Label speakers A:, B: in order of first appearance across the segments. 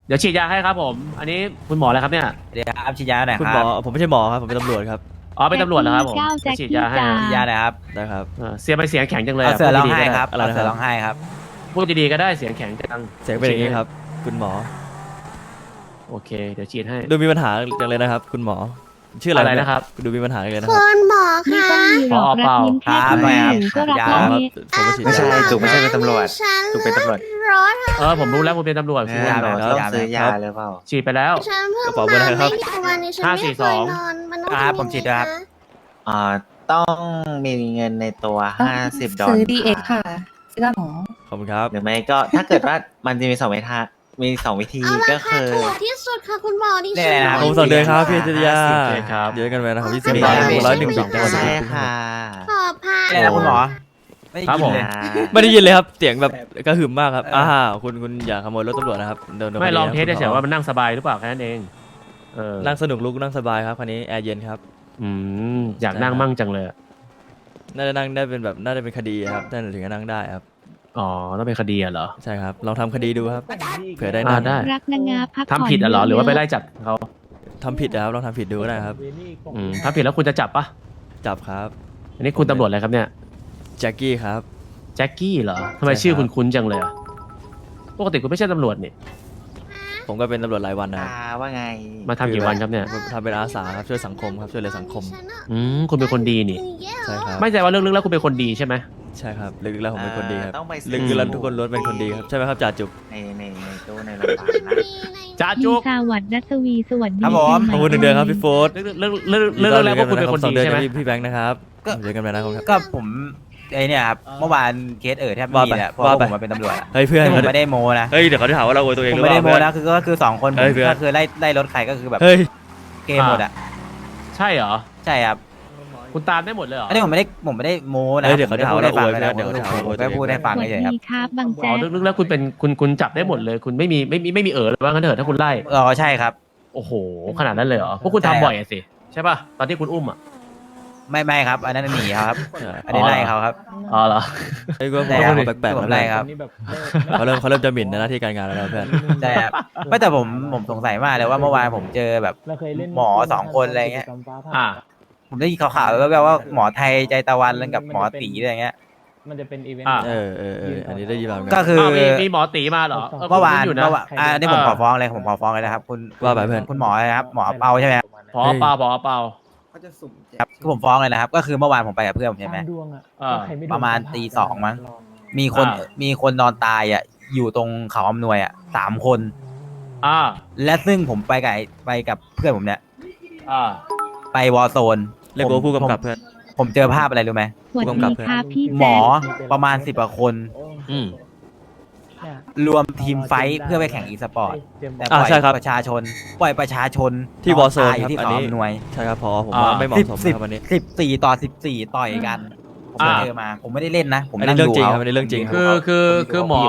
A: เดี๋ยวฉีดยาให้ครับผม อันนี้คุณหมออะไรครับเนี่ย
B: เดี๋ยวครับฉีดยาหน่อย
C: คุณ
B: ค
C: หม
B: รั
C: อบ ผมไม่ใช่หมอครับผมเป็นตำรวจครับ
A: อ๋อเป็นตำรวจเหรอครับผม
D: แจ็คกี้
A: ฉีดยาให้
D: จ้า
A: นะ
B: ฉีดยาหน่อยครับ
C: ได้ครับ
A: เสียงไปเสียงแข็งจังเลย
B: เอา
A: อะ
B: เสือร้อง
A: พูด
B: ไห้
A: ดีๆก็
B: ค
A: ได้
B: รับ
C: อะไร
B: เอา
C: นะครับ
B: เสือร้องไห้ครับ
A: พูดดีๆก็ได้เสียงแข็งจัง
C: เสียงเป็นอย่างนี้ครับ คุณหมอ
A: โอเค เดี๋ยวฉีดให้
C: ดูมีปัญหาจังเลยนะครับ คุณหมอ ชื่ออะไร
A: อะไรนะครับ
C: ดูมีปัญหาเลยนะค
E: คุ
C: รับ
E: ณหมอ
D: ไม่
E: คะ
D: ต้องมีหรอก
A: เป
D: รั
A: ล่า
D: กยิ้มแค่
B: ครับ
D: คน
B: ครับ
D: หนึ่งก็รัก
B: ยา
D: แล้ว
C: ครับ
D: นี่
C: ผมมาฉีด
F: ไม่ใช่
C: ยา
F: จุกไม่ใช่เป็นตำรวจ
E: ฉัน
F: จุกเป็นตำรวจ
E: รถ
A: ผมรู้แล้วคุณเป็นตำรวจ
F: เอ
A: คุณ
F: อ
B: ยา
F: ห
B: หน่
F: นู
B: อย
F: ต้องซื้อยาหรือเปล่า
A: ฉีดไปแล้ว
E: ฉันเพิ่ง
C: กระเป๋าเบอร์อะไรครับ
E: ไม่กี่วันนี้ฉันไม่เคยนอนมันต้อง
B: ครับ
E: ทำ
B: ผมฉีดด้วยครับ
E: ยังไงนะ
F: ต้องมีเงินในตัว50 ดอล
G: ซื้อ
F: ลาร์
G: ดีเอ็กค่ะซื้อกับหมอ
C: ขอบคุณครับ
F: หรือไม่ก็ถ้าเกิดว่ามันจะมี2 วิธี
E: เอา
F: ก็
E: ราคา
F: คือ
E: ถูกที่สุดค่ะคุณหมอดิ
B: เนี่
E: ฉั
B: ย
E: น
B: นะ
C: ผมส่งเดือนครับพี่จิตยา
A: โอเคครับ
C: เยอะกันไปนะครับ20
F: ไม่
C: บาท
F: ไม่
C: 101จังหวัด
F: ใช่ค่ะ
E: ขอพา
B: อะไรนะคุณหมอ ไม่ได้
A: ครับ
B: ยิ
A: ผ
B: น
A: ม
B: เลย
C: ไม่ได้ยินเลยครับ เสียงแบบกระหึ่มมากครับคุณอย่าขโมยรถตำรวจนะครับโดน
A: ไม่ลองเทส
C: คดี
A: เฉ
C: นะ
A: ย
C: คุณหมอ
A: ๆว่ามันนั่งสบายหรือเปล่าแค่นั้นเอง
C: นั่งสนุกลุกนั่งสบายครับคันนี้แอร์เย็นครับ
A: อยากนั่งมั่งจังเลยอะ
C: น่าจะนั่งได้เป็นแบบน่าจะเป็นคดีครับน่าจะถึงจะนั่งได้ครับ
A: อ๋อต้องเป็นคดีอะเหรอ
C: ใช่ครับลองทำคดีดูครับเผื่อได้
A: อ่า
C: นั่ง
A: ได้
D: รักนางงาพักผ่อน
A: ทำผิดอะเหรอหรือว่าไปไล่จับเขา
C: ทำผิดนะครับลองทำผิดดูก็ได้ครับ
A: ถ้าผิดแล้วคุณจะจับปะ
C: จับครับ
A: อันนี้คุณตำรวจอะไรครับเนี่ย
C: แจ็คกี้ครับ
A: แจ็คกี้เหรอทำไม
C: ใช่ครับ
A: ชื่อคุณคุ้นจังเลยอะปกติคุณไม่ใช่ตำรวจนี่
C: ผมก็เป็นตำรวจรายวันนะครับ
F: ว่าไง
A: มาทำกี่วันครับเนี่ย
C: ทำเป็นอาสาครับช่วยสังคมครับช่วยเหลือสังคม
E: ฉันอะ
A: คุณเป็นคนดีนี่
C: ใช่ครับ
A: ไม่ใจว่าลึกๆแล้วคุณเป็นคนดีใช่ไหม
C: ใช่ครับลึกๆแล้วผมเป็นคนดีครับ
F: ต้องไป
C: ลึกๆแล้วทุกคนล้วนเป็นคนดีครับใช่ไหมครับจ่าจุก
F: ในตู้ในโรงพยาบาลนะ
A: จ้า
D: มี
A: จุก
D: สวัสดิ์นัสวีสวัสดี
B: ครับผม
C: ขอบคุณหนึ่งเดือนครับพี่โฟร์
A: ลึกๆแล้วว่าคุณเป็นคนดีใช่ไหม
C: พี่แบงค์นะครับเจอกันไปนะครับ
B: ก็ผมไอเนี่ยครับเมื่อวานเคสแทบไม่มีแหละเพราะ
C: ว่า
B: ว่า
C: ไป
B: ผมมาเป็นตำรวจอะ
C: เฮ้ยเพื่อน
B: ที่ผมไม่ได้โมนะ
C: เฮ้ยเดี๋ยวเขาจะหาว่าเราโวยตัวเอง
B: ผ
C: ห
B: ม
C: รือเป
B: ไม่ได้
C: ล่า
B: โม
C: เพื่อน
B: นะก็คือ2 คนผม
C: เฮ้ยเพื่อน
B: ก็คือไล่รถใครก็คือแบบ
C: เฮ้ย
B: เกมหมดอ่ะ
A: ใช่เหรอ
B: ใช่ครับ
A: คุณตามได้หมดเลยเหรอ
B: อันนี้ผมไม่ได้โมนะ
C: เฮ้ยเดี๋ยวเขาจะหาว่าเราโวย
B: ผม
C: เพื่อนเดี๋ยวเขาจะหาว่าเราโวย
B: แค่พูดให้ฟัง
D: สวัส
B: เฉยๆครับ
D: ดีครับบาง
A: อ๋อ
D: แจ๊ก
A: ลึกๆแล้วคุณเป็นคุณจับได้หมดเลย คุณไม่มีเลยว่างั้นเถอะถ้าคุณไล่
B: ใช่ครับ
A: โอ้โหขนาดนั้นเลยเหรอพวกคุณ
B: ใช่ครับ
A: ทำบ่อยอะสิใช่ป่ะตอนที่คุณอุ้มอะ
B: ไม่ครับ อันนั้นหนีเขาครับ อันนี้ไล่เขาครับ
A: อ๋อเหรอ
C: เฮ้ยก็
B: ใช่ครับ
C: แปลกๆ
B: ผม
C: แล้ว
B: ไล่ครับ
C: เขาเริ่มจะหมิ่นในหน้าที่การงานแล้วนะเพื่อน
B: ใช่ครับไม่แต่ผมสงสัยมากเลยว่าเมื่อวานผมเจอแบบหมอ2 คนอะไรเงี้ย
A: อ่า
B: ผมได้ยินข่าวๆแล้วว่าหมอไทยใจตะวันกับหมอตีอะไรเงี้ย
H: มันจะเป็นอีเวนต์
A: อ่า
C: อันนี้ได้ยินมาเหมือน
B: ก็
C: กัน
B: คือ
A: มีหมอตีมาเหรอ
B: เมื่อวาน
A: คุณอยู่นะ
B: อันนี้ผมขอฟ้องเลยนะครับคุณ
C: ว่าไปเพื่อน
B: คุณหมอนะครับหมอเปาใช่ไหมครับ
A: พอเปล่าเปล่า
B: ครับคือผมฟ้องเลยนะครับ ก็คือเมื่อวานผมไปกับเพื่อนผมใช่ไหม
H: ดวงอ่ะ
A: อ่า
H: ใคไดวง
B: ประมาณตีสองมั้ง มีคน
A: อ่า
B: มีคนนอนตายอ่ะอยู่ตรงเขาอำนวยอ่ะ3 คน
A: อ่า
B: และซึ่งผมไปกับเพื่อนผมเนี่ย
A: อ่า
B: ไปวอร์โซน
C: เรียกว่าผู้กำกับเพื่อน
B: ผมเจอภาพอะไรรู้ไหม
D: สวัสดีครับพี่
B: หม
D: แจ๊
B: อก ประมาณ10 กว่าคน
A: อืม
H: เนี่ย
B: รวมทีมไฟท์เพื่อไปแข่งอีสปอร์ต
H: เตรียม
B: แต่
C: อ่า
B: ปล่อย
C: ใช่ครับ
B: ประชาชน
C: ที่ Warzone
B: ตายอยู่ที่
C: ครับอัน
B: เขา
C: นี้
B: อำนวย
C: ใช่ครับพอผมว่าไม่เหมาะสมนะครับวันนี้
B: 14 ต่อยกัน ผมไปเจอมา ผมไม่ได้เล่นนะ ผม
C: อันนี้
B: นั่ง
C: เรื่อง
B: ดู
C: จริงค
B: เขา
C: รับอันนี้เรื่องจริงครับ
A: คือหมอ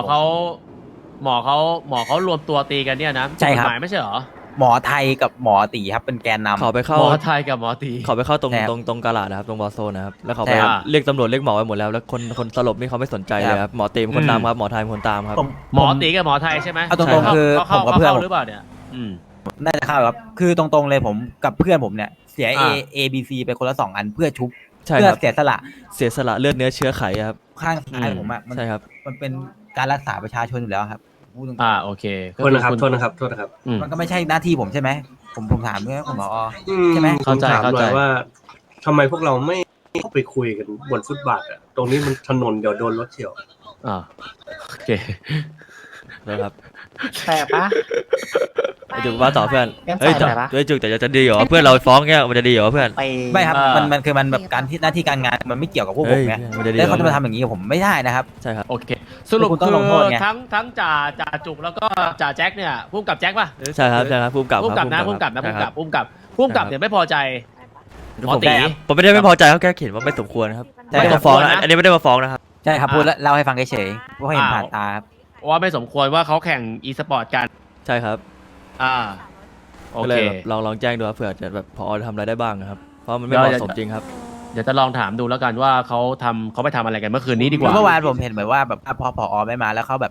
A: เขารวมตัวตีกันเนี่ยนะ
B: ใช่ครับ
A: กฎหมายไม่ใช่เหรอ
B: หมอไทยกับหมอตีครับเป็นแกนนำ
C: เขาไปเข้า
A: หมอไทยกับหมอตี
C: เขาไปเข้าตรง
B: ใช่ครับ
C: ตรงกาลาดนะครับตรงวอร์โซนนะครับแล้วเขา
B: ใช่
C: ไป
B: ครับ
C: เรียกตำรวจเรียกหมอไปหมดแล้วแล้วคนสลบนี่เขาไม่สนใจเลยครับหมอเต็มคนตามครับหมอไทยเป็นคนตามครับ
B: ผม
A: หมอตีกับหมอไทยใช่ไหม
B: เอาตรงๆคือ
A: เขา
B: ผมกับเพื่อน
A: หรือเปล่าเนี่ยอืม
B: น่าจะเข้าครับ คือตรงๆเลยผมกับเพื่อนผมเนี่ย เสีย
A: อ่า
B: A B C ไปคนละ2 อันเพื่อชุบ
C: ใช่
B: เพื่
C: ค
B: อ
C: รับ
B: เสียสละ
C: เสียสละเลือดเนื้อเชื้อไขครับ
B: ข้างซ้ายผมอ่ะมัน
C: ใช่ครับ
B: มันเป็นการรักษาประชาชนอยู่แล้วครับพูดตรงๆ
A: โอเค
F: โทษนะครับโทษนะครับ
A: อืม
B: มันก็ไม่ใช่หน้าที่ผมใช่ไหมผมถามเพื่อนคุณหมอ ใช่
F: ใช่
B: ไห
F: ไห
B: ม
F: ม
A: เข้าใจ
F: ผมถามหน่อยว่าทำไมพวกเราไม่ไปคุยกันบนฟุตบาทอะตรงนี้มันถนนเดี๋ยวโดนรถเฉี่ยว
A: โอเค
C: นะครับ
F: แปลปะ
C: ไอ้จุกว่าต่อเพื่อน
F: งั้น
C: เฮ้ย
F: ใส่หน่อยปะ
C: เฮ้ยจุกแต่จะดีเหรอเพื่อนเราฟ้องเงี้ยมันจะดีเหรอเพื่อน
F: ไป
B: ไม่ครับ
A: อ่ามั
B: มันคือมันแบบการที่หน้าที่การงานมันไม่เกี่ยวกับพวกผ
C: เฮ้
B: ม
C: ย
B: ไง
C: มันจะดี
B: แล้ว
C: เหร
B: เขาจะมา
C: อ
B: ทำอย่างนี้กับผมไม่ได้นะครับ
C: ใช่ครับ
A: โอเค สรุป
B: คุณต้
A: คือ
B: องลงโทษไง
A: ทั้งจ่าจุกแล้วก็จ่าแจ็คเนี่ยพุ่มกับแจ็คป่ะ
C: ใช่ครับใช่ครับภูมิกับ
A: พุ่มกับนะ
C: ค
A: พุ่
C: รั
A: มกับนะ
C: ใช่
A: พุ่ม
C: ค
A: กั
C: รั
A: บบ พุ่มกับเนี่ยไม่พอใจหมอ
C: ผม
A: ตี
C: ผมไม่ได้ไม่พอใจเขาแค่เขียนว่าไม่สมควรครับ
B: ใช่
C: ไม่ได้
B: ครั
C: มา
B: บ
C: ฟ้อง
A: ไม่
C: นะ
A: สมควรนะ
C: อันนี้ไม่ได้มาฟ้องนะครับ
B: ใช่ครับพูดแล้วเล่าให้ฟังเฉยๆเพราะเห็นผ่านตาครับ
A: ว่าไม่สมควรว่าเขาแข่งอีสปอร์ตกัน
C: ใช่ครับ
A: โอ
C: ก็
A: เค
C: เลยแบบลองแจ้งดูครับเผื่อจะแบบพอทำอะไรได้บ้างนะครับเพราะมันไม่เหมาะสมจริงครับ
A: เดี๋ยวจะลองถามดูแล้วกันว่าเขาไปทำอะไรกันเมื่อคืนนี้ดีกว่า
B: เมื่อวานผมเห็นเหมือนว่าแบบพอผอไม่มาแล้วเขาแบบ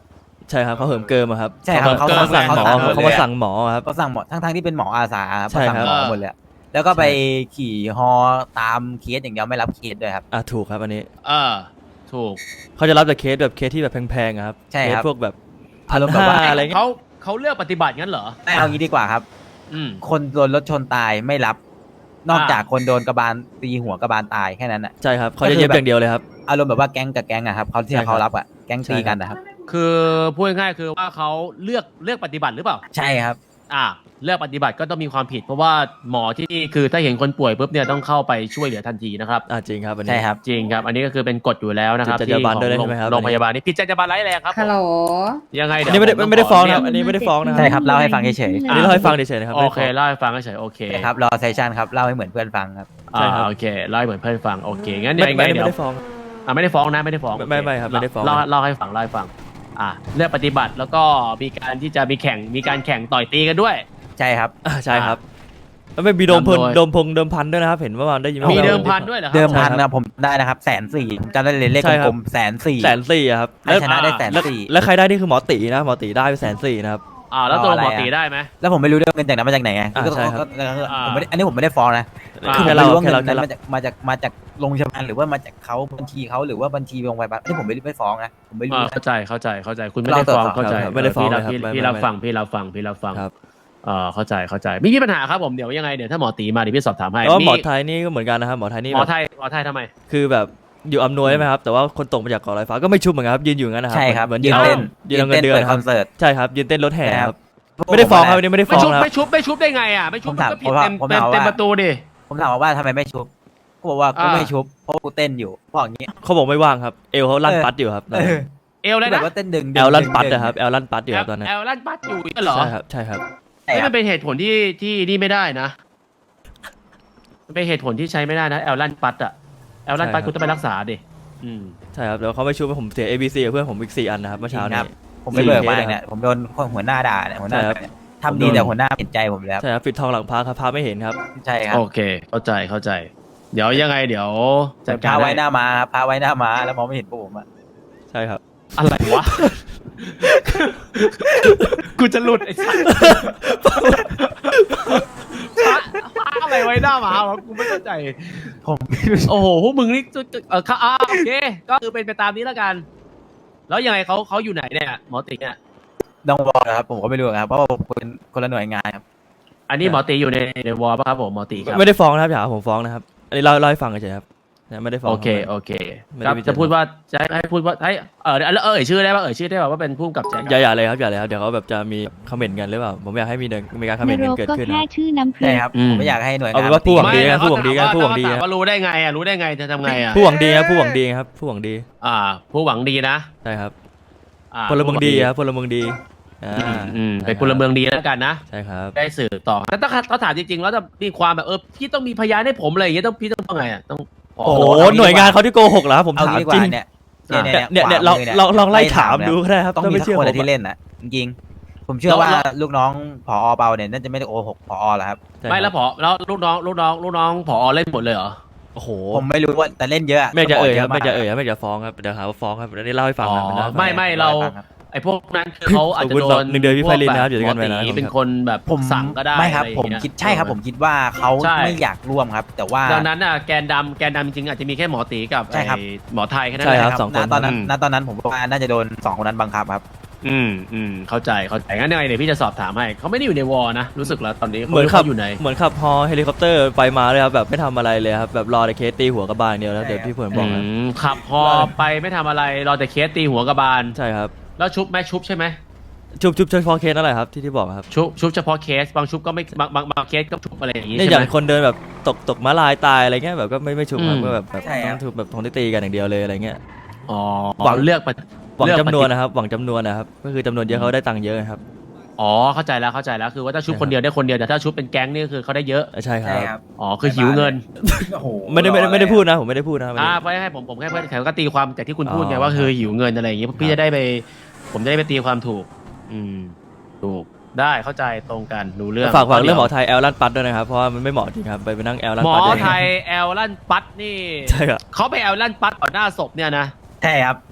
C: ใช่ครับเขาเหิมเกิมอะครับ
B: ใช่ครับ
C: เขามาสั่งหมอเขามาสั่งหมอครับ
B: เขาสั่งหมอทั้งที่เป็นหมออาสาครับ
C: ใช่
B: เขา
C: ครั
B: สั่
C: บ
B: งหมอหมดเลยแล้วก็ไปขี่ฮอตามเคสอย่างเดียวไม่รับเคสด้วยครับ
C: ถูกครับอันนี้
A: ถูก
C: เขาจะรับแต่เคสแบบเคสที่แบบแพงๆอะครับ
B: ใช่
C: เค
B: ค
C: ส
B: รับ
C: พวกแบบ
B: อารมณ์แบบว่า
C: 1,500อะไรเงี้ย
A: เขาเลือกปฏิบัติงั้นเหรอ
B: ไม่เอางี้ดีกว่าครับ
A: อืม
B: คนโดนรถชนตายไม่รับ นอกจากคนโดนกระบาลตีหัวกระบาลตายแค่นั้นอ่ะ
C: ใช่ครับเขาจะเย็บอย่างเดียวเลยครับ
B: อารมณ์แบบว่าแก๊งกับแก๊งอะครับเขาที่
C: ใช่ครับ
B: เขารับอะแก๊งตีกันนะครับ
A: คือพูดง่ายๆคือว่าเขาเลือกปฏิบัติหรือเปล่า
B: ใช่ครับ
A: เลือกปฏิบัติก็ต้องมีความผิด เพราะว่าหมอที่นี่คือถ้าเห็นคนป่วยปุ๊บเนี่ยต้องเข้าไปช่วยเหลือทันทีนะครับ
C: จริงครับอันนี้
B: ใช่ครับ
A: จริงครับ อันนี้ก็คือเป็นกฎอยู่แล้วนะครับ
C: ผิดจรรยาบรรณด้วย
A: ที่ของ
C: ใช่ไหมครับ
A: โรงพยาบาลนี่ผิดจรรยาบรรณร้ายแรงครับ
G: ฮัลโหล
A: ยังไง
C: อัน
A: เดี๋ยว
C: นี้ไม่ได้
A: ผ
C: ฟ้อง
A: ข
C: นะครับอันนี้ไม่ได้ฟ้องนะค
B: ใช่
C: รับ
B: ครับเล่าให้ฟังเฉย
C: อันนี้เล่าให้ฟังเฉยๆนะครับ
A: โอ
C: ไม่ได้
A: เค
C: ฟ้อง
A: เล่าให้ฟังเฉยๆโอเค
B: ครับรอเซสชันครับเล่าให้เหมือนเพื่อนฟังครับ
C: ใช่ครับ
A: โอเคเล่าให้เหมือนเพื่อนฟังโอเคงั้น
C: ไม่
A: ยังไง
C: ไม่
A: เดี๋ยว
C: ได้ฟ้อง
A: ไม่ได้ฟ้องนะไม่ได้ฟ้อง
C: ไม่ครับไม่ได้ฟ้อง
A: เล่าให้ฟังเลือกปฏิบัติแล้วก็มีการที่จะมีการแข่งต่อยตีกันด้วย
B: ใช่ครับ
C: ใช่ครับแล้วไม่มีโดมพล
A: นำโดย
C: โดมพันด้วยนะครับเห็นว่าวันได้ยิน
A: มี
C: ว่า
A: เดิมพันด้วยเหรอครั
B: เดิมพัน
C: ใช่ครับ
B: นะผมได้นะครับ140,000ผมจำได้เลยเลข
C: ใช่ครั
B: ก
C: บ
B: ลมๆ140,000
C: 140,000อะครับ
B: ใครชนะได้
C: แล้ว
B: 140,000
C: แล้วใครได้นี่คือหมอตีนะหมอตีได้ไป140,000นะครับ
A: แล้วตัว
B: อะไร
A: หมอ
B: อะ
A: ตีได้ไหม
B: แล้วผมไม่รู้เรื่องเงินจากนั้นมาจากไหนไง
C: ใช่ครับ
B: ผมไม่ได้อันนี้ผมไม่ได้ฟ้องนะ คือผม
C: แค่
B: ไม่
C: เรา
B: รู้ว่า
C: แค่
B: เงิน
C: เรา
B: นั้
C: แค่
B: น
C: เรา
B: มาจากโรงพยาบาลหรือว่ามาจากเขาบัญชีเขาหรือว่าบัญชีโรงพยาบาลนี่ผมไม่ฟ้องนะผมไม่รู้นะ
A: เข้าใจคุณไม่ได้ฟ้องเข้าใจ
C: ไม่ได้ฟ้องเลยครับ
A: พี่รับฟัง
C: ครับ
A: เข้าใจไม่มีปัญหาครับผมเดี๋ยวยังไงเดี๋ยวถ้าหมอตีมาเดี๋ยวพี่สอบถามให้
C: แล้วหมอไทยนี่ก็เหมือนกันนะครับหมอไทยนี่
A: หมอ
C: แบบ
A: ไทยทำไม
C: คือแบบอยู่อำนวยใช่ไหมครับแต่ว่าคนตกมาจากเกาะลอยฟ้าก็ไม่ชุบเหมือนกันครับยืนอยู่งั้นนะครับ
B: ใช่ครับ
C: เหมือน
B: ยื
C: ยื
B: น
C: น
B: เต้
C: เต้
B: น
C: นยืนเอาเงินเดือน
B: เปิด
C: นะค
B: ค
C: รั
B: อบ นเสิร์ต
C: ใช่ครับยืนเต้นรถแห่
B: ใช่
C: ค
B: ครั
C: รับ บไม่ได้ฟ้องครับอันนี้ไม่ได้ฟ้องนะครับ
A: ไม่ชุบได้ไงอ่ะไม่ชุบมันก็ผิดเต็ม
B: ผมถามว่า
A: เต็มประตูดิ
B: ผมถามว่าทำไมไม่ชุบเขาบอกว่ากูไม่ชุบเพราะกูเต้นอยู่บอกอย่างนี้
C: เขาบอกไม่ว่างครับเอวเขาลั่นปัดอยู่ครับ
A: เอลเลย
B: แบ
A: นะ
B: บว่าเต้นดึง
C: แอลลั่นปัดนะครับแอลลั่นปัดอยู่ครับตอนนั้น
A: แอลลั่นปัดอยู่เหรอ
C: ใช่ครับใช่ครับ
B: ใช่
A: นี่
B: ครั
A: มั
B: บ
A: นเป็นเหตุผลที่นี่ไม่ได้นะมันเป็นเหตุผลที่ใช้ไม่ได้นะแอลลั่นปัดอะแอลลั่นปัดคุณต้องไปรักษาดิ
C: ใช่ครับแล้วเขาไม่ชุบผมเสีย ABC กับเพื่อนผมอีก4 อันนะครับเมื่อเช้านี้
B: ผมไม่เบิกมาเนี่ยผมโดนหัวหน้าด่าเนี่ยหัวหน้า
C: ใช่ครับ
B: เนี่ยทำดีแต่หัวหน้าเห็นใจผมแล้ว
C: ใช่ครับปิดทองหลังพระครับพระไม่เห็นครับ
B: ใช่ครับ
A: โอเคเข้าใจเดี๋ยวยังไงเดี๋ยวจัด
B: พ
A: การ
B: าไว้
A: ให้
B: หน้าม้าครับพาไว้หน้าม้าแล้วมองไม่เห็นพวกผมอะ
C: ใช่ครับ
A: อะไรวะ กูจะหลุดไอ้สัสพระอะไรไว้หน้าหมาวะกูไม่เข้าใจ
B: ผม
A: โอ้โหพวกมึงนี่โอเค ก็คือเป็นไปตามนี้แล้วกัน แล้วยังไงเขาอยู่ไหนเนี่ยหมอติเนี่ย
B: ต้องบอกนะครับผมก็ไม่รู้ครับเพราะว่าผมเป็นคนละหน่วยงานครับ
A: อันนี้หมอติอยู่ในวอลป่ะครับผมหมอติครับ
C: ไม่ได้ฟ้องนะครับอย่าหาผมฟ้องนะครับอันนี้เล่าให้ฟังเฉยๆครับไม่ได้ฟ้อง
A: โอเค
C: ไม่
A: ค
C: ได้
A: รับ
C: มีเจตนา
A: จะพูดว่าจะให้พูดว่าให้เอ่ยชื่อได้ป่ะว่าเป็นผู้กำกับแจ็ค
C: อย่าเลยครับอย่าเลยครับเดี๋ยวเขาแบบจะมีคอมเมนต์กันหรือเปล่าผมอยากให้มีการคอมเมนต์
D: น
C: กัน
D: รก
C: เกิด
D: ก็
C: ขึ้น
D: แค่
C: นะ
D: ชื่อน้ำพริ
B: ใช่
D: ก
B: ครับผมไม่อยากให้หน่วยงาน
C: เอาเป็นว่าผู้หวังดี
A: ไม่
C: นะผู้หวังดีนะผู้หวังดี
A: ว่ารู้ได้ไงรู้ได้ไงจะทำไงอ่ะ
C: ผู้หวังดีครับผู้หวังดีครับผู้หวังดี
A: ผู้หวังดีนะ
C: ใช่ครับ
A: อ่า
C: พลเมืองดีครับพลเมืองดี
A: เป็นพลเมืองดีแล้วกันนะ
C: ใช่ครับ
A: ได้สื่อต่อแต่ถ้าเขาถามจริงๆแล้วจะมีความแบบพี่ต้องมีพยานให้ผมอะไรอย่างเงี้ยพี่ต้องไงอ่ะต้องข
C: โอ้โหหน่วยงานเขาที่โกหกเหรอครับผม
B: เอา
C: ถาม
B: งี้ดีก
C: จริ
B: ว่าง เนี่ย
C: เนี่ยลองไล่ถามดูก็ได้ครับ
B: ต้อง
C: ถ้า
B: มี
C: ไม่
B: สัก
C: เชื่อ
B: คน
C: ผม
B: ที่เล่นนะจริงๆผมเชื่อว่าลูกน้องผอเปาเนี่ยน่าจะไม่ได้โกหกผอแล้วครับ
A: ไม่แล้วแล้วลูกน้องผอเล่นหมดเลยเหรอ
C: โอ้โห
B: ผมไม่รู้ว่าแต่เล่นเยอะ
C: ไม่จะเอ่ยครับ
B: ผ
C: ไม่จะเอ่ยครับไม่จะฟ้องครับเดี๋ยวหาว่าฟ้องครับเดี๋ยวนี้เล่าให้ฟังครับ
A: ไม่เราไอ้พวกนั้นคือเขาอาจจะโดน
C: 1 เดือนพี่ไพลินนะครับอยู่ด้วยกันไปนะ
A: เป็นคนแบบ
B: ผม
A: สั่งก็ได้
B: ไม่ครับ
A: อะ
B: ผม
A: ไอย่างเงี้ย
B: คิดใช่ครับผมคิดว่าเขา
A: ใช่
B: ไม่อยากร่วมครับ แต่ว่า
A: ดังนั้นแกนดำจริงๆอาจจะมีแค่หมอตีกับ
B: ใช่ครับ
A: ไอ้หมอไทยแค่นั้น
C: ใช่
A: แหละ
C: ครับ 2 คน
B: ณตอนนั้นผมว่าน่าจะโดน2คนนั้นบังคับครับ
A: เข้าใจงั้นยังไงเดี๋ยวพี่จะสอบถามให้เขาไม่ได้อยู่ในวอนะรู้สึกแล้วตอนนี้
C: เหมือนขับ
A: ขาอยู่ไหน
C: เหมือนขับฮอเฮลิคอปเตอร์ไปมาเลยครับแบบไม่ทำอะไรเลยครับแบบรอแต่เคสตีหัวกระบาลเดียวแล้วเดี๋ยวพี่เพื่อนบอกนะ
A: ขับฮอไปไม่ทำอะไรรอแต่เคสตีหัวกระบาล
C: ใช่ครับ
A: แล้วชุบใช่ไหม
C: ชุบเฉพาะเคสนั่นแหละครับที่บอกครับ
A: ชุบเฉพาะเคสบางชุบก็ไม่บางเคสก็ชุบอะไรอย่างงี้
C: เนี่ย
A: ใช่
C: อย่า
A: ไหม
C: งคนเดินแบบตกม้าลายตายอะไรเงี้ยแบบก็ไม่ชุบครับ
A: อืม
C: ก็แบบ
B: ใช่ครับ
C: ต้องถูกแบบทงตีกันอย่างเดียวเลยอะไรเงี้ย
A: หวังเลือก
C: หวังจำนวนนะครับหวังจำนวนนะครับก็คือจำนวนเยอะเขาได้ตังค์เยอะครับ
A: เข้าใจแล้วคือว่าถ้าชุบคนเดียวได้คนเดียวแต่ถ้าชุบเป็นแก๊งนี่คือเขาได้เยอะ
C: ใช่ครับ
A: คือหิวเงิน
C: ไม่ได้พูดนะผมไม่ได้พูดนะ
A: เพราะให้ผมแค่เพื่อนแถวก็ตีความจากที่คุณพูดไงว่าคือหิวเงินอะไรอย่างงี้พี่จะได้ไปผมจะได้ไปตีความถูกถูกได้เข้าใจตรงกันดูเรื่อง
C: ฝากเรื่องหมอไทยแอลลั่นปัดด้วยนะครับเพราะว่ามันไม่เหมาะจริงครับไปนั่งแอลลั่น
A: หมอ
C: ปัด
A: ไทยแอลลั่นปัดนี่
C: ใช่ครับ
A: เขาไปแอลลั่นปัดต่อหน้าศพเนี่ยนะ
B: ใช่ครับ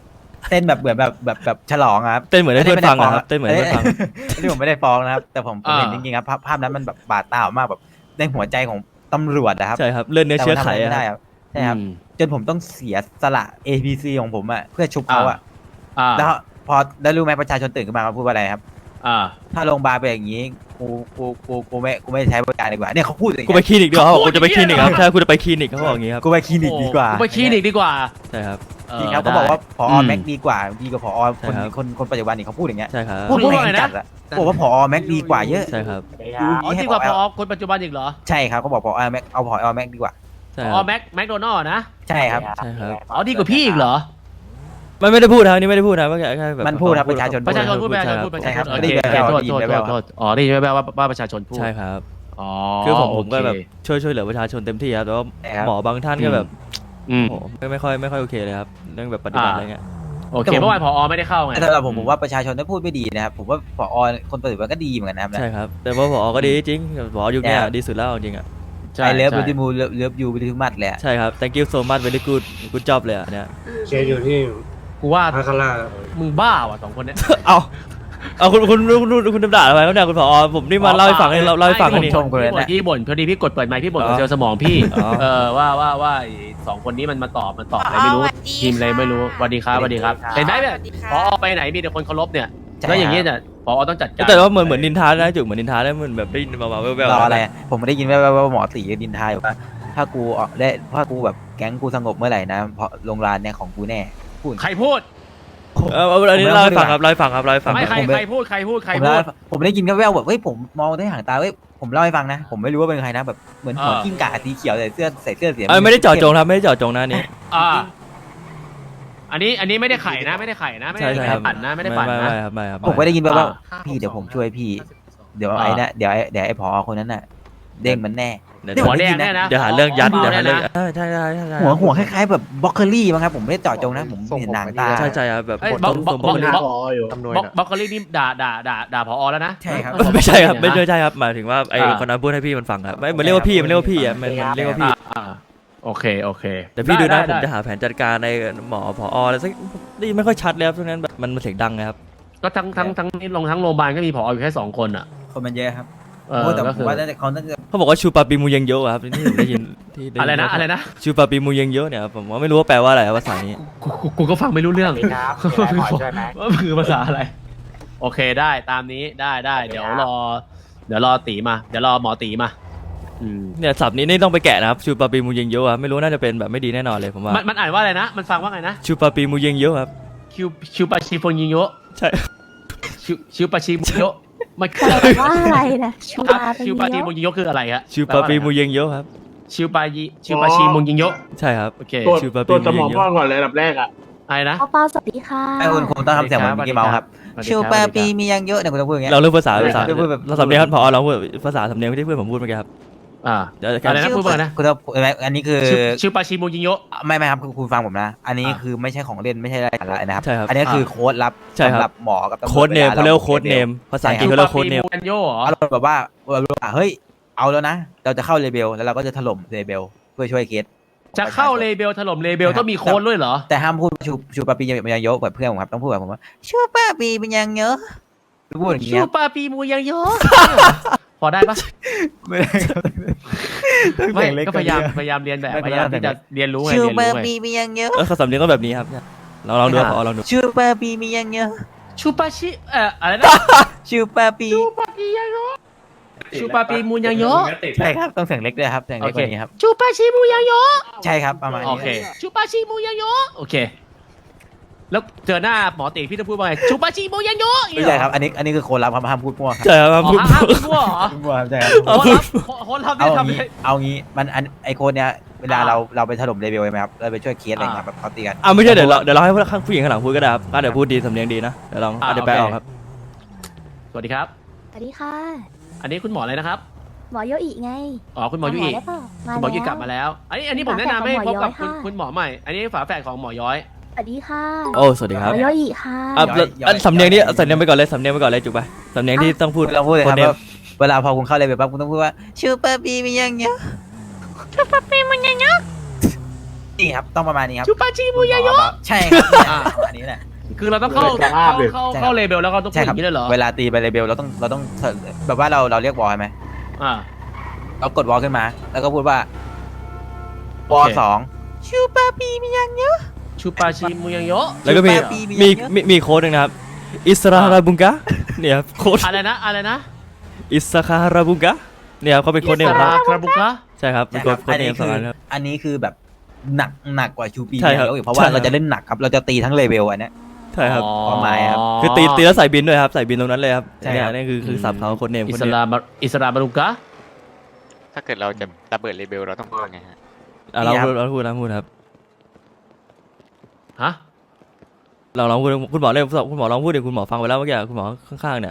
B: เต้นแบบเหมือนแบบฉลองอะครับ
C: เต้นเหมือนให้เพื่อนฟังอะครับเต้นเหมือนให้เพื่อนฟัง
B: ที่ผมไม่ได้ฟ้องนะครับ แต่ผมเห็นจริงๆครับภาพนั้นมันแบบบาดตามากแบบในหัวใจของตำรวจนะครับ
C: ใช่ครับเลือดเนื้อเชื้อไข
B: แต่มันทำอะไรไม่ได้
C: อะ
B: ครับใช่ครับจนผมต้องเสียสละ APC ของผมอะเพื่อชุบเขาอะ แล้วพอได้รู้ไหมประชาชนตื่นขึ้นมาเขาพูดว่าอะไรครับ ถ้าโรงพยาบาลเป็นอย่างนี้กูไม่ใช้บริการดีกว่าเนี่ยเขาพูดอย่าง
C: กู
B: เงี้
C: ไป
B: ย
C: คลินิกดีกว่าเขาบอกกูจะไปคลินิกครับถ้ากูจะไปคลินิกเขาบอกอย่างงี้ครับ
B: กูไปคลินิกดีกว่า
A: ไปคลินิกดีกว่า
C: ใช่ครับ
B: จริงครับเขาบอกว่าผอแม็กดีกว่าผอ
C: ใช่ครับ
B: คนปัจจุบันนี่เขาพูดอย่างเงี้ย
C: ใช่ครับ
A: พูดว่าไงนะ
B: จัดอะบอกว่าผอแม็กดีกว่าเยอะ
C: ใช่ครับ
A: อ๋อจริงกว่าพอคนปัจจุบันอีกเหรอ
B: ใช่ครับเขาบอกผอแม็กเอาผอแม็กดีกว่า
C: ใช่
A: พ
C: ค
A: อ
C: รับ
A: แม็กโดนัลล์นะ
B: ใช่ครับ
C: ใช่ครับ
A: อ๋อดีกว่าพี่อีกเหรอ
C: ไม่ได้พูดนะนี่ไม่ได้พูดนะว่าแค่แบบ
B: มันพูดครับประชาชน
A: ประชาชนพูดประชาชน
C: ใช่
A: พูดประ
B: ใช่
A: ชาช
B: ครับ
A: นโอ
B: ได้
A: เค
B: ยินแว่ว
A: โทษ
B: ได้ยินแว่ว
A: โทษอ๋อได้ยินแว่วๆว่าประชาชนพูด
C: ใช่ครับ
A: อ๋อ
C: คือผมก็แบบ
A: โอเค
C: ช่วยเหลือประชาชนเต็มที่ครับแต่ว่า
B: ใช่ครับ
C: หมอบางท่านก็แบบ
A: อืม
C: โอ้โหไม่ค่อยโอเคเลยครับเรื่องแบบปฏิบัติอะไรเงี้ย
A: โอเคเมื่อวานพอไม่ได้เข้าไง
B: แต่สำหรับผมว่าประชาชนได้พูดไม่ดีนะครับผมว่าผอคนปัจจุบันก็ดีเหมือนกันนะครับ
C: ใช่ครับ แต่ว่าผอก็ดีจริงผอยุคเนี้ยดีสุดแล้วจริงอ่ะ
A: ใช่
B: ไอเลิฟ
A: ใช่
B: บิวตี้มูเลิฟยูบิวตี้มัดเลยอะ
C: ใช่ครับ thank you so much very good job เลยอ่ะเนี่ย
F: เคสอยู่ที่
A: กูว่า
F: พาคาร่า
A: มึงบ้าว่ะสองคนเนี้ย
C: เอาคุณด่าอะไรครับเนี่ยคุณผอผมนี่มาเล่าให้ฟังให้เล่าให้ฟัง
B: ผม
C: นี่
B: ชมคนนั้น
A: พี่บ่น
B: นะ
A: พี่บ่นพอดีพี่กดเปิดไมค์พี่บ่น
C: อ๋
A: กับ
C: อ
A: เซลล์สมองพี่
C: อ๋อ
A: ว่าไอ้สองคนนี้มันมาตอบอะไรไม่รู้ทีมอะไรไม่รู้สวัสดีครับสวัสดีครับเห็นไหมแบบพอไปไหนมีแต่คนเคารพเนี่ยแล้วอย่างนี้เนี่ยพอต้องจัดการ
C: แต่ว่าเหมือนนินทานะจุกเหมือนนินทาได้เหมือนแบบได้ยินมาแว่ว
B: รอ
C: ๆ
B: อะไรผมได้ยินว่าหมอตีดินทายว่าถ้ากูออกได้ถ้ากูแบบแก๊งกูสงบเมื่อไหร่นะเพราะโรงงานเนี่ยของกูแน่พูด
A: ใครพูด
C: อันนี้เล่าให้ฟังครับเล่าให้ฟังครับเล่าให้ฟัง
A: ไม่
C: ครับ
A: ใครพูด
B: ผมได้ยินแว่วๆแบบเฮ้ยผมมองได้ห่างตาเฮ้ยผมเล่าให้ฟังนะ ผมไม่รู้ว่าเป็นใครนะแบบเหมือนหัวกิ้งก่าสีเขียวใส่เสื้อสี
C: ไม่ได้เจาะจงครับไม่ได้เจาะจงนะอันนี้
A: อันนี้ไม่ได้ไข่นะไม่ได้ไข่นะไม่
C: ใช่
A: ได้
C: ใช่ค
A: ไข่
C: รับ
A: ปั่นนะไม่ได้ปั่น
C: ไม่
A: นะ
C: ครับไม่ครับ
B: ผมก็ได้ยินแว่วๆพี่เดี๋ยวผมช่วยพี่ เดี๋ยวไอ้นะเดี๋ยวไอ้ผอคนนั้นน่ะเด้งมันแน่
A: หัวแดงแน่นะ
C: เดี๋ยวหาเรื่องยัด
A: หัว
C: เดี๋ยวหาเรื่อง
A: แน่นะ
C: ใช่
B: หัวคล้ายๆแบบบล็อกเกอรี่มั้งครับผมไม่ได้เจาะจงนะผมเห็นหนังตา
C: ใช่ครับแบบ
A: เอ้ย
C: บท
A: บล็อก
C: ต้น
A: บล็อก
C: สมบูรณ์
A: บล็อก
F: พออยู่
A: บล็อกโคลี่นี่ด่าผอแล้วนะ
B: ใช่ครับ
C: ไม่ใช่ครับไม่ใช่ครับหมายถึงว่าไอ้คนนั้นพูดให้พี่มันฟังครับไม่มันเรียกว่าพี่มันเรียกว่าพี่อ่ะมันเรียกว่าพี่
A: โอเค
C: แต่พี่ดูนะผม
A: ได้
C: จะหาแผนจัดการในหมอผออะไรสักนี่ไม่ค่อยชัดเลยครับช่วงนั้นแบบมันเสียงดังนะครับ
A: ก็ทั้งนี่ลงทั้งโรงพยาบาลก็มีผออยู่แค่2 คนอ่ะ
B: คนมันเยอะครับ
A: เออ
B: โอ้แต่
A: ก็
B: ผ
A: คื
B: ม
A: อ
B: ว่าเขาน่าจะ
C: เขาบอกว่าชูปาปีมูเยงเยอะครับที่ผมได้ยินที่ด้ยิ
A: อะไรนะ
C: ชูปาปีมูเยงเยอะเนี่ยผมว่าไม่รู้ว่าแปลว่าอะไรครับภาษานี้
A: กูก็ฟังไม่รู้เรื่องว่าคือภาษาอะไร โอเคได้ตามนี้ได้เดี๋ยวรอตีมาเดี๋ยวรอหมอตีมา
C: เนี่ยศัพท์นี้นี่ต้องไปแกะนะครับชูปาปีมูเยงเยอะครับไม่รู้น่าจะเป็นแบบไม่ดีแน่นอนเลยผมว่า
A: มันอ่านว่าอะไรนะ มันฟังว่าไงนะ
C: ชูปาปีมูเยงเยอะครับ
A: คิวปาชิฟงยิงโย
C: ใช่
A: ชิวปาชิมุโยมันคือ
E: ว่าอะไรนะชู
A: ชิวปาชิมุงยิงโยคืออะไรฮะ
C: ชูปาปีมูเยงเยอะครับ
A: ชิวปาชิมุงยิงโย
C: ใช่ครับ
A: โอเค
C: ชูปาปี
F: ตัว
C: มู
F: สม
C: เย
F: อง
C: งเย
F: พ่อ
C: อะ
F: ก่อนเลยอันดับแรกอ่ะ
A: อะไรนะ
E: เปาสวัสดีค่ะ
B: ไอ้คุณคงต้องทำเสียงเหมือนมิกกี้เมาส์ครับชิวแปรปีมียังเยอะเนี่ยคุณต้องพูดอย่างเงี้ย
C: เราเรื่องภาษา
B: พูดแบบ
C: เราสำเนียงครับพอเราพูดภาษาสำเนียงที่เพื่อนผมพูดเมื่อกี้ครับ เดี๋ยว
A: อะไรนะพูดมานะ
B: คุณต้องอันนี้คือ
A: ชิวปาชิมุงยิงโย
B: ไม่ครับคุณฟังผมนะ อันนี้คือไม่ใช่ของเล่นไม่ใช่อะไรนะครับ
C: ใช่ครับ
B: อันนี้คือโค้ดลับ
C: ใช่ครับ
B: สำหรับหมอกับตำรวจ
C: โค้ดเนมเขาเรียกว่าโค้ดเนมภาษาอังกฤษเขาเรียกว่าโค้ดเนม
A: ชิวปาชิมุงยิงโยเหรอ
B: อารมณ์แบบว่าเฮ้ยเอาแล้วนะ เราจะเข้าเลเบลแล้วเราก็จะถล่มเลเบลเพื่อช่วยเคส
A: จะเข้าเลเบลถล่มเลเบลต้องมีโค้ดด้วยเหรอ
B: แต่ห้ามพูดชูปาปีเป็นยังเยอะแบบเพื่อนผมครับต้องพูดแบบผมว่าชูปาปีเป็นยังเยอะพูดอย่าง
A: ชิ
B: เงี้
A: วย ปาปีมุงยิงโยพอได้ปะ
B: ไม่ได้ครับ
A: ไม่ก็พยายามเรียนแบบพยายามที่จะเรียนรู้ไง
B: ชู
A: เรียน
B: ปา
A: รู้ไง
B: ปีเป็นยังเยอะ
C: สำเนียงต้องแบบนี้ครับเราลองดูครับพอลองดู
B: ชูปาปีเป็นยังเยอะ
A: ชูปาชิอะไรนะ
B: ชูปาปี
A: ชูปาปีมุงยิงโย
B: ใช่ครับต้องเสียงเล็กด้วยครับเสียงเล็กกว่านี้ครับ
A: ชูปาชิมุงยิงโย
B: ใช่ครับประมาณ
A: โอ
B: นี้
A: เคชูปาชิมุงยิงโยโอเค แล้วเจอหน้าหมอตีพี่จะพูดว่าไงชูปาชิมุงยิงโย
B: ไม่ใช่ครับอันนี้คือโค้ดลับครับห้ามพูดมั่วครับ
C: ใช่ครับ
A: อ๋อ
C: พูด
A: ห้ามพูดเหรอ
B: มั่วครับใช่ครับ
A: คนรับ
B: เอา
A: นี่ทำ
B: งี้
A: ไง
B: เอางี้มันไอโค้ดเนี้ยเวลาเราไปถล่มเลเวลใช่ไหมครับเราไปช่วยเคสอะไรเงี้ยแบบเขาตีกัน
C: ไม่ใช่เดี๋ยวเราให้ผู้หญิงข้างหลังพูดก็ได้ครับเดี๋ยวพูดดีสำเนียงดีนะเดี๋ยวลองเดี๋ยวแปลออกครับ
A: สวัสดีครับ
E: สวัสดีค่ะ
A: อันนี้คุณหมออะไรนะครับ
E: หมอโยอิไง
A: อ๋อคุณหมอยุอี
E: ได้เปล่า
A: คุณหมอยุอีกลับมาแล้ว อันนี้ผมแนะนำให้พบกับคุณหมอใหม่ อันนี้ฝาแฝดของหมอย้อย
E: สวัสดีค่ะ
C: โอ้สวัสดีค
E: ห
C: รับ
E: มอโยอิค่ะ
C: สำเนียงนี้สำเนียงไปก่อนเลยสำเนียงไปก่อนเลยจุกไปสำเนียงที่ต้องพูด
B: เราพูดเลยครับ
C: โดม
B: ว่าเวลาพอคุณเข้าเลเวลปั๊บคุณต้องพูดว่าชูเปอร์บีมียังเยอะชูเปอร์บีมันยังเยอะนี่ครับต้องประมาณนี้ครับ
A: ชูปาชิมุงยิงโย
B: ใช่ครับเนี่ยประมาณนี้แหละ
A: คือเราต้องเข้าเข้าเลเบลแล้วก็ต้องพู
B: ใช่
A: ดอ
B: ครับ
A: ย่างนี้เลยเหรอ
B: เวลาตีไปเลเบลเราต้องแบบว่าเราเรียกวอลใช่ไหม
A: อ่า
B: เรากดวอลขึ้นมา แล้วก็พูดว่า
A: โอ
B: วอ
A: เค
B: สองชูปาปีมียังเยอะ
A: ชูปาชิมุยังโยะ
C: แล้วก็มีโค้ดหนึงนะครับอิสราฮาราบุงกะเนี่ยครับโค้ด
A: อะไรนะ
C: อิสราฮาราบุงกะเนี่ยครับเขาเป็นโค้ดเนมครับ
A: คาราบุกะ
C: ใช่ครับเป็นโค้ด
B: อัน
C: เน
B: นี้
C: มสองอันครับ
B: อันนี้คือแบบหนักกว่าชูปี
C: ใช่ครับ
B: เยอะอีกเพราะว่า
C: ใช่ครับ
B: เราจะเล่นหนักครับเราจะตีทั้งเลเวลอันเนี้ย
C: ใช่ครับ
B: ความหมายครับ
C: คือตีแล้วใส่บินด้วยครับใส่บินตรงนั้นเลยครับ
B: ใช่
C: เนี่ย
B: ครับ
C: นี่คือสับเขาโค้ดเนม
A: อิ
C: โค้ด
A: ส
C: เนม
A: ลามอิสลามบารุกะ
I: ถ้าเกิดเราจะระเบิดเลเบลเราต้องพูดว่าไงฮะ
C: เราพูดครับ
A: ฮะ
C: เราลองพูดคุณหมอเล่นคุณหมอลองพูดดิคุณหมอฟังไปแล้วเมื่อกี้คุณหมอข้างๆเนี่ย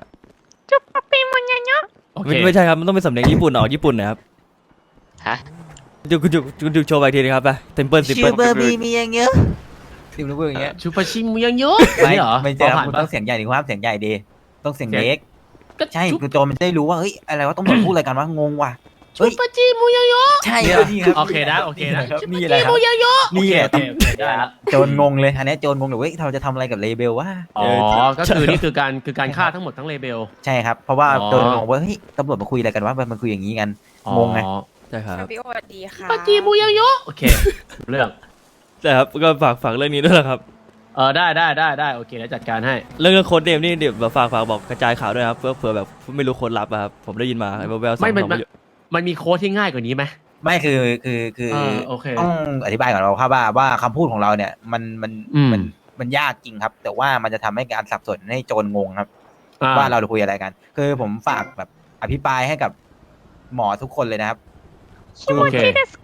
A: โอเค
C: ไม่ใช่ครับมันต้องเป็นสำเนียงญี่ปุ่นออกญี่ปุ่นนะครับ
I: ฮะ
C: คุณโชว์ไปอีกทีนึงครับไปเต็มเปิลสิบ
B: ชู
C: เปิล
B: เบอร์บีมียังเยอะติมรู้อย่างเงี้ย
A: ชูปาชิมุยังโยะ
B: ไม่
A: นี่เหรอ
B: ไม่ใช่ครับ
A: ผ่าน
B: คุณ
A: ปะ
B: ต้องเสียงใหญ่ดิคุณห้ามเสียงใหญ่ดีต้องเสียงเล็ก
A: ก็
B: ใช่
A: ชู
B: คือโจรมันจะได้รู้ว่าเฮ้ยอะไรวะต้องพูดอะไรกันวะงงว่ะ
A: ชูปาชิมุยังโยะ
B: ใช่ครับนี่ครับ
A: โอเคนะโอเคนะ
B: นี่แหละครับ
A: มุยังโยะ
B: นี่แหละ
A: โอเคได้ละ
B: โจรงงเลยอันนี้โจรงงเลยเว้ยเราจะทำอะไรกับเลเบลวะ
A: อ๋อก็คือนี่คือการฆ่าทั้งหมดทั้งเลเบล
B: ใช่ครับเพราะว่า
A: อ๋อ
B: โจรงงว่าเฮ้ยตำรวจมาคุยอะไรกันวะมันคุยอย่างนี้กันงงไง
A: อ๋อ
C: ใช่ครับ
G: พี่โอสวัสดีค่ะ
A: ปาชิมุยังโยะโอเคเรื่อง
C: ใช่ครับก็ฝากเรื่องนี้ด้วยนะครับ
A: ได้โอเคแล้วจัดการให้
C: เรื่องโค้ดเนมนี่เดี๋ยวฝากบอกกระจายข่าวด้วยครับเผื่อแบบไม่รู้โค้ดลับอะครับผมได้ยินมาไอ้แววๆสอง
A: ไม่
C: สอง
A: มันมีโค้ดที่ง่ายกว่านี้ไหม
B: ไม่คือ
A: โอเค
B: ต้องอธิบายก่อนเราครับว่าคำพูดของเราเนี่ยมัน
A: อืม
B: มันยากจริงครับ แต่ว่ามันจะทำให้การสับสนให้โจรงงครับ
A: อ่
B: ว่าเราคุยอะไรกัน คือผมฝากแบบอภิปรายให้กับหมอทุกคนเลยนะครับ
A: โอเค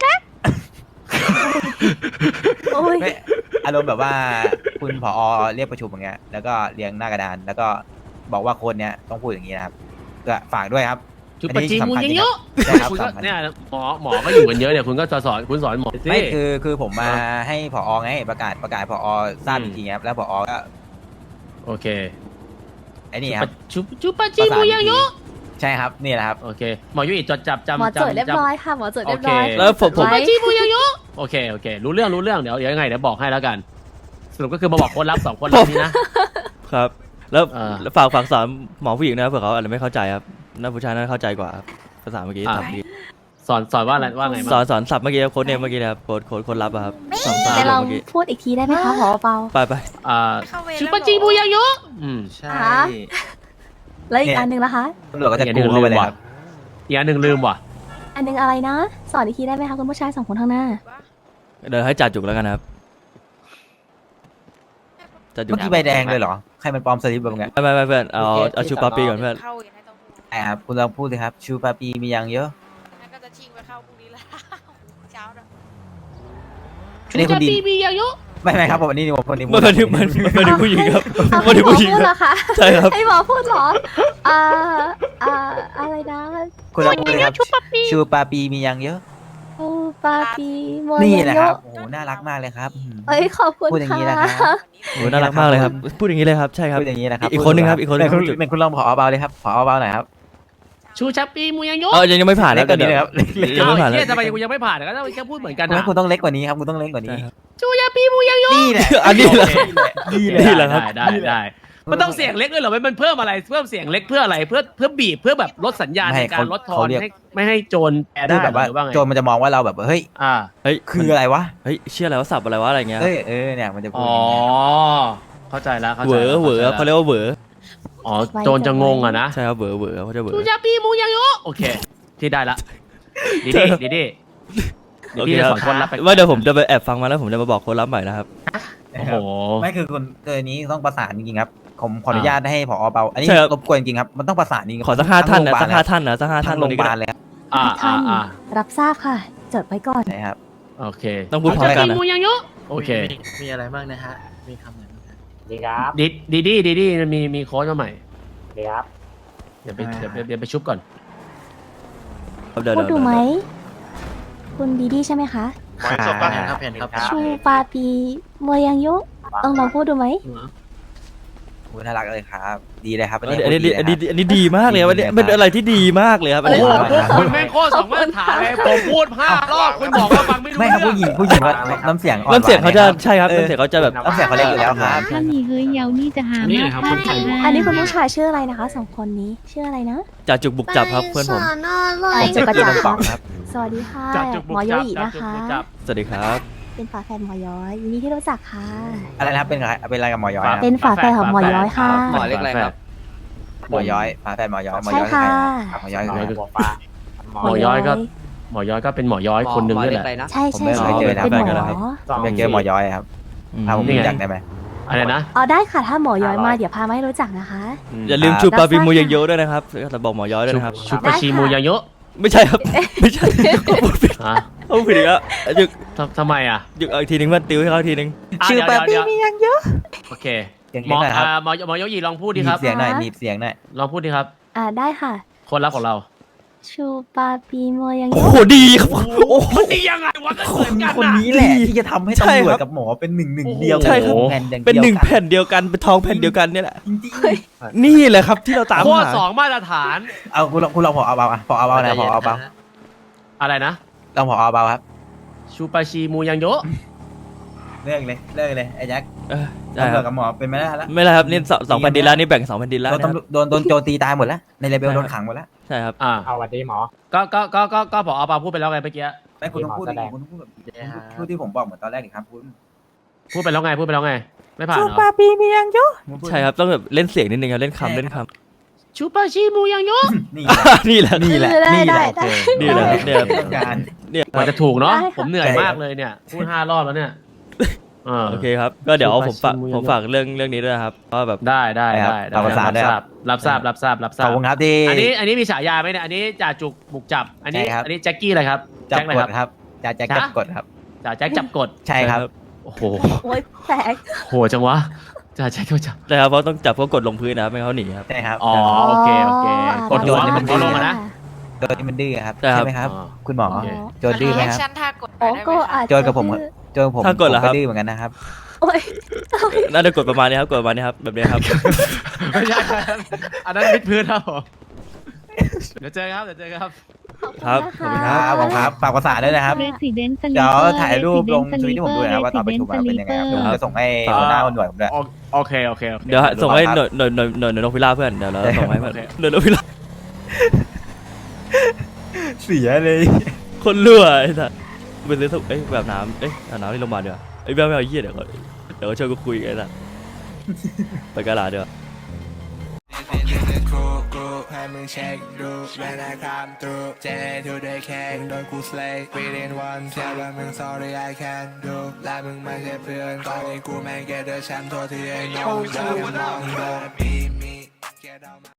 E: โอ้ย
B: ไม่อารมณ์แบบว่าคุณผอเรียกประชุมอย่างเงี้ยแล้วก็เรียงหน้ากระดาน แล้วก็บอกว่าคนเนี้ยต้องพูดอย่างนี้นะครับก็ฝากด้วยครับ
A: ชุดปาจิมุยังโยะ
B: ใช่ครับ
A: คุณก็
B: สำคัญ
A: เนี่ยหมอก็อยู่กันเยอะเนี่ยคุณก็สอนหมอสิ
B: ไม่คือผมมาให้ผอไงประกาศผอทราบ
A: อืม
B: อีกทีครับแล้วผอก็
A: โอเค
B: ไอ้นี่ครับ
A: ชุดปาจิมุยังโยะ
B: ใช่ครับนี่แหละครับ
A: โอเคหมอยุ้ยจดจับจำ
E: หมอจดเรียบร้อย
A: จ
E: ค่ะหมอจด
A: ำ
E: เรียบร้อย
A: โอเค
C: แล้วผม
E: ไว้
A: ปาจิมุยังโยะโอเครู้เรื่องเดี๋ยวยังไงเดี๋ยวบอกให้แล้วกัน สรุปก็คือมาบอกคนรับ2คนรับนี้นะครับ
C: แล้ว
A: อ่า
C: ฝากสอนหมอผู้หญิงนะครับเผื่อเขาอาจจะไม่เข้าใจครับน่าผู้ชายน่าเข้าใจกว่าครับภาษาเมื่อกี้ศัพท์เมื่อกี้
A: สอนว่าอะไรว่าไง
C: สอ
A: บ้าง
C: นศัพท์เมื่อกี้ครับโค้ดเนมเมื่อกี้นะครับโค้ดลับอะครับสองสาม
E: แต่ลอง
C: เมื่อกี้
E: พูดอีกทีได้ไหมคะหมอเบา
C: ไป
A: ชุดปาจิมุยังโยะ
E: ใช่ แล้วอีกอันหนึ่งล่ะคะ
B: ตำรวจก็จะกูเข้าไปเลยครับ
A: อีกอันหนึ่งลืมว่ะ
E: อันหนึงอะไรนะ สอนอีกทีได้ไหมคะคุณผู้ชาย2 คนข้างหน้า
C: เดี๋ยวให้จ่าจุกแล้วกันนะครับจ่าจุก
B: เมื่อกี้ใบแดงเลยเหรอใครมันปลอมสลิปแบบไง
C: ไม่เพื่อนเอาชูปาปีก่อนเพื่อน
B: ใช่ครับคุณลองพูดสิครับชูปาปีมียังเยอะ
G: ก็จะชิงไปเข้าพรุ่งนี้ละเช้านะ
B: อันนี้คุณดี
A: ชุดปาจิมุยังโยะ
B: ไม่ครับผมอันนี้ผมคนนี้
C: มันเป็นผู้หญิงครับ
E: เอา
C: มันเป็นผู้หญิง
E: ให้หมอพูด
C: ค
E: เหร
C: รับ
E: อคะ
C: ใช่ครับ
E: ให้หมอพูดเหรออะไรนะ
B: คุณลองพูดสิครับชูปาปีมียังเยอะ
E: โอ้ปาปีโม
B: นี่
E: ย
B: แหละ
E: โย
B: ครับโอ้โหน่ารักมากเลยครับ
E: เอ้ยขอบคุณ
B: พูดอย่างนี้
E: ค่ะ
B: นะครับ
C: โอ้น่ารักมากเลยครับพูดอย่างนี้เลยครับใช่ครับ
B: พูดอย่างนี้นะครับ
C: อีกคนหนึ่งครับอีกคนหนึ่ง
B: เป็นคุณลองผอเบาเลยครับผอเบาหน่อยครับ
A: ชูชัปปีมุยังโยะ
C: ยังไม่ผ่าน
B: เล็
C: แล้
B: ก
C: ว
B: กว่านี้เลยครับ
C: ยังไม่ผ่าน
A: เฮี
C: แล้
A: ยว ทำไมกูยังไม่ผ่านก็ต้องแค่พูดเหมือนกัน
B: งั้
A: นะ
B: นคุณต้องเล็กกว่านี้ครับคุณต้องเล็กกว่านี้
A: ชูชัปปีมุยังโยะ
B: นี่แหละ
C: อันนี้แหละ
B: นี่แหละ
C: นี่แหละครับ
A: ได้มันต้องเสียงเล็กด้วยเหรอมันเพิ่มอะไรเพิ่มเสียงเล็กเพื่ออะไรเพื่อบีบเพื่อแบบลดสัญญาณในการลดทอนให้ไม่ให้โจรแปร
B: คื
A: ได้
B: อแบบว่า
A: หรือว่าไง
B: โจรมันจะมองว่าเราแบบเฮ้ย
C: เฮ้ย
B: คืออะไรวะ
C: เฮ้ยเชื่ออะไรว่าสับอะไรวะอะไรเงี้ย
B: เฮ้ยเนี่ยมันจะพูด
A: อ๋อ
B: อย่างเงี้ย
A: เข้าใจแล้ว
C: เหวอเขาเรียกว่าเหวอ
A: อ๋อโจรจะงงอะนะ
C: ใช่ครับเหวอเขาจะเหวอ
A: ชูชัปปีมุยังโยะโอเคที่ได้ละดีเดี๋ยวพี่จะสอนคนรับไป
C: ว่าเดี๋ยวผมจะไปแอบฟังมาแล้วผมจะมาบอกคนรับใหม่นะครับ
A: โอ้โห
B: ไม่คือคนเกินนี้ต้องประสานจริงๆครับผมขออนุญาตให้ผอเบาอันนี้
C: ใช่ครับ
B: รบกวนจริงๆครับมันต้องประสานจริงๆ
C: ขอสัก5ท่านนะ
B: ทั้ง
C: สัก5ท่านนะสัก5ท่าน
B: โรงพยาบาล
C: ต
B: เลยครับ
E: รับทราบค่ะ จดไว้ก่อน
B: ใช่ครับ
A: โอเค
C: ต้องพูดพร้อมกันนะ
A: ชูชัปปีมุยังโยะโอเค
H: มีอะไรบ้างนะฮะ มีคำไหนบ้างฮะ
I: ดีครับ
A: ดีมีโค้ดมาใหม่
I: ดีครับ
A: เดี๋ยวไปชุบก่อน
C: เดี๋ยว
E: พูดดูไหม คุณดีดีใช่ไหมคะ
I: หมอศพก็เห็นครับ
E: ชูปาปีโมยังโยะต้องลองพูดดูไหม
A: ผ
B: คุณน่ารักเลยครับ ดีเลยครับ
C: อันนี้ดีมากเลยครับอันนี้เป็นอะไรที่ดีมากเลยครับอัน
A: โอ้
C: นี้
A: โหพวกคุณแม่งโคตรสองมาตรฐานเลยผมพูด5 รอบคุณบอกว่าฟังไม่รู้
B: ไม่ครับ
A: เรื่อง
B: ผู้หญิงว่าน้ำเสียงอ่อน
C: น้ำเสียงเขาจะ
B: หวน
C: ใช่ครับน้ำเสียงเขาจะแบบ
B: น้ำเสียงเขาเล็กอยู่แล้วครับ
D: ถ้ามีเฮ้ยเยานี่จะหามากมากค่ะ
E: อันนี้คุณผู้ชายชื่ออะไรนะคะสองคนนี้ชื่ออะไรนะ
C: จ่าจุกบุกจับครับเพื่อนผม
B: ผมชื่อกินน้ำปองครับ
E: สวัสดีค่ะ
A: จับจุกบุ
E: ห
A: ก
E: มอโย
A: จับ
E: อิ
A: จับ
E: นะ
A: จุก
E: คะ
A: บุกจับ
C: สวัสดีครับ
E: เป็นฝาแฝดหมอย้อยยินดีที่รู้จักค่ะ
B: อะไรนะครับเป็นอะไรกับหมอย้อยนะ
E: เป็นฝาแฝดของหมอย้อยค่ะ
A: หมอเล็กอะไรครับ
B: หมอย้อยฝาแฝดหมอย้อยหมอ
E: ใช่
B: ย้อย
E: ค่ะ
B: หมอย้อย
A: หมอย้อย
B: คือ
A: หมอย้อยก็หมอย้อยก็เป็นหมอย้อยคนหนึ่งนี่แหละ
E: ใช่
B: ผม
E: ใช่
B: ไม่
E: ใช่
B: เคยเจอนะ
E: เป็นหม
C: แฟนกันแล้ว
E: อ
C: ครับ
B: อยากเจอหมอย้อยครับพาผม
A: นี่ไง
B: รู้จักได้ไหม
A: อะไรนะ
E: อ๋อได้ค่ะถ้าหมอย้อยมาเดี๋ยวพามาให้รู้จักนะคะ
C: อย่าลืมชูปาปิมูยังโยด้วยนะครับแต่บอกหมอย้อยด้วยนะครับ
A: ชุปาชิมูยาโยะ
C: ไม่ใช่ครับไม่ใช่พูดผิด
A: ฮะ
C: พูดผิดอีกแล้วหยุด
A: ทำไมอ่ะ
C: หยุดอีกทีนึงเพื่อนติวให้เขาอีกทีนึง
A: ะ
B: ชื่อ
A: เดี๋ยว
B: ปาปี้
A: เดี๋ยว
B: มียังเยอะ
A: โอเค
B: เสียง
A: หมอ
B: หน่อยครับ
A: หมอโยอิลองพูด
B: ห
A: ดิ
B: นี
A: ครับ
B: บเสียงหน่อยหนีบเสียงหน่อย
A: ลองพูดดิครับ
E: ได้ค่ะ
A: คนรักของเรา
E: ชูปาปีโมยัง
C: โอ้โหดีครับโอ้โห
A: มันดียังไงวะก็เหมือนกัน
B: คน
A: นะ
B: นี้แหละที่จะทำให้
C: ใช่
B: ตำรวจ
C: ครับ
B: กับหมอเป็นหนึ่งเดียว
C: ใช่ครับ
B: แผ่นอย่าง
C: เป็น
B: ดียว
C: หนึ่ง
B: กั
C: แผ่นเดียวกันเป็นทองแผ่นเดียวกันเนี่ยแหละ
B: จริง
C: นี่แหละครับที่เราตาม
A: โคตร
C: หา
A: สองมาตรฐาน
B: ๆเอาคุณลองพอเอาเบาอ่ะพอเอาเบานะพอเอาเบา
A: อะไรนะ
B: ลองพอเอาเบาครับ
A: ชูปาชิมูยังโยะ
B: เลิกเลยไอ้แจ็ค
C: ใช่
B: ตำร
C: คว รั
B: จ
C: บ
B: กับหมอเป็นไม่ได้แล้ว
C: ไม่แล้วครับนี่สองแผ่นดินแล้วนี่แบ่ง2 แผ่นดินแล้ว
B: โดน
C: นะครับ
B: ตำรวจโดนโจตีตายหมดแล้วในเลเบลโดนขังหมดแล้ว
C: ใช่ครับ
H: เอาวันดีหมอ
A: ก็พอปาพูดไปแล้วไงเมื่อกี้
B: ไม่คุณต้องพูดดิคุณต้องพูดแบบพูดที่ผมบอกเหมือนตอนแรกดิครับคุณ
A: พูดไปแล้วไงไม่ผ่านเหรอ
B: ปีมียังเยอะ
C: ใช่ครับต้องแบบเล่นเสียงนิดนึงครับเล่นคำเล่นค
A: ชูปาชิมูยังโยะ
B: นี่
C: ำนี่แหละ
B: นี่แหละนี่แหละ
E: ได้
C: นี่แหละครับเนี่ยครับ
B: ต้องการ
C: เนี่ยค
A: กว่า
C: รับ
A: จะถูกเนาะ
E: ได้ค่ะ
A: ผมเหนื่อยมากเลยเนี่ยพูด5 รอบแล้วเนี่ย
C: โอเคครับก็เดี๋ยวผมฝาก
A: ชูปาชิมู
C: ผมฝากเรื่องนี้ด้วยนะครับว่าแบบ
A: ได้ รับทราบ
B: ขอบคุณครับที่
A: อันนี้มีฉายาไหมเนี่ยอันนี้จ่าจุกบุกจับ อันนี้
B: ใช่ครับ
A: อันนี้แจ็คกี้อะไรครับ
B: จับ
A: แจ็คอะไร
B: ก
A: ค
B: ด
A: รับ
B: ครับจะจับกดครับ
A: จ่าแจ็คจับกด
B: ใช่ครับ
A: โอ้โห
E: โอ๊ยแตก
A: โหจังวะจ่าแจ็คก็จับ
C: ใช่ครับเพราะต้องจับเขากดลงพื้นนะครับไม่งั้นเขาหนีครับ
B: ใช่ครับ
A: อ๋อโอเคกด
B: โด
A: หัวน
B: นี่มัน
A: เอาลงมานะ
B: โดนที่มันดื้อครับ
C: ใช่ครับ
B: ใช่ไหมครับ
A: อ๋อ
B: คุณหมอ
A: โอเค
B: โจนดื้อไหมครับ
G: แอคชั่นท่ากดหน่
E: โอ้
G: อยได้ไหม
E: ก็
G: คะ
E: อาจจะ
B: โจนกับผม
E: ดื้อ
C: ถ้ากดเหรอครับ
B: ผมก็ดื้อเหมือนกันนะครับ
E: โอ๊ย
C: น่าจะกดประมาณนี้ครับกดประมาณนี้ครับแบบนี้ครับ
A: ไม่ใช่ครับอันนั้นวิดพื้นครับผมเดี๋ยวเจอครับ
C: ครับขอบคุณครับ
B: ครับผมครับฝากภาษาด้วยนะครับ
D: Resident Sleeper
B: เดี๋ยวถ่ายรูปลงทวิตที่ผมดูนะครับว่าตอนไปถูกมาเป็นยังไงครับเดี๋ยวผมจะส่งให้หัวหน้าหน่วยผมด้วย
A: โอเค
C: เดี๋ยวส่งให้หน่วยนกพิราบเพื่อนเดี๋ยวเราส่งให้เพื่อน
A: โอเค
C: หน่วยนกพิราบ
B: เสียเลย
C: คนรั่วไอ้สัสไปซื้อถุงแบบน้ำเอาน้ำที่โรงพยาบาลดีกว่าไม่เอาเยี่ยเดี๋ยวเขาช่วยกูคุยกันไอ้สัสไปกะลาเดี๋ยว
J: ให้มึงเช็คดูเวลาคำตูเจทูได้แค่โดนกูสเลย์ within one เชื่อว่ามึง sorry I can do และมึงไม่ใช่เพื่อนตอนนี้กูแม่งเกตเดอร์แชมป์ตัวที่ไอ้น้องเดินมองโดนบีมี